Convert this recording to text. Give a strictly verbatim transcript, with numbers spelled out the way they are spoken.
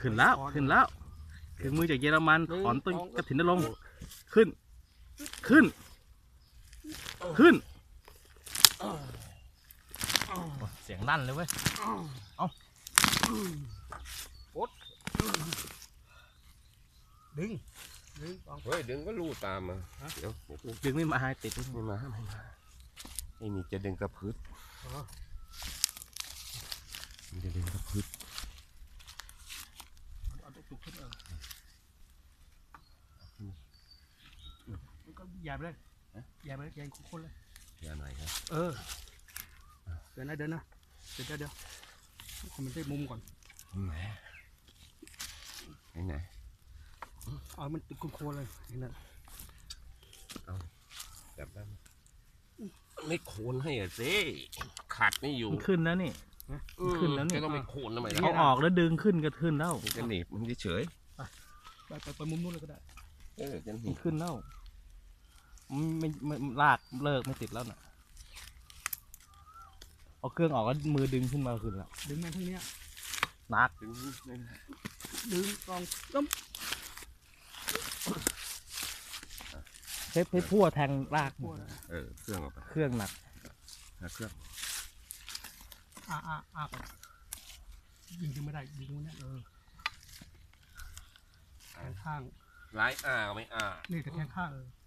ขึ้นแล้วขึ้นแล้วถึงมือจากเยอรมันถอนต้นกระถินนรงค์ขึ้นขึ้นขึ้นเสียงลั่นเลยเว้ยเอาโอ๊ตดึงดึงเฮ้ยดึงก็ลู่ตามมาเดี๋ยวดึงไม่มาให้ติดไม่มาไม่มาไอ้นี่จะดึงกระพืชมันจะดึงกระพืชเอาตัวจุกขึ้นเออก็อย่าไปเลยอย่าไปเลยอย่าคนเลยอย่าหน่อยครับเออเดินนะเดินนะเดี๋ยวเดี๋ยวคอมเมนต์ได้มุมก่อนไหนไหนเอามันติดโคนเลยนี่นะเอาจับได้ไม่โคนให้อ่ะสิขาดไม่อยู่ขึ้นแล้วนี่ขึ้นแล้วนี่จะต้องไปโคนทำไมเขาออกแล้วดึงขึ้นก็ขึ้นแล้วจะหนีบมันเฉยไปไปไปมุมนู้นเลยก็ได้เออจะหนีบขึ้นแล้วไม่ไม่ลากเลิกไม่ติดแล้วน่ะเอาเครื่องออกแล้วมือดึงขึ้นมาขึ้นแล้วดึงมาทั้งนี้นักดึงดึงกองต้มเพชรเพชรพั่วแทงลากเออเครื่องออกไปเครื่องหนักเครื่องอ่าอ่าอ่ายิงยังไม่ได้ยิงตรงนี้เออแทงข้างไล่อ่าไม่อ่านี่แต่แทงข้างเออ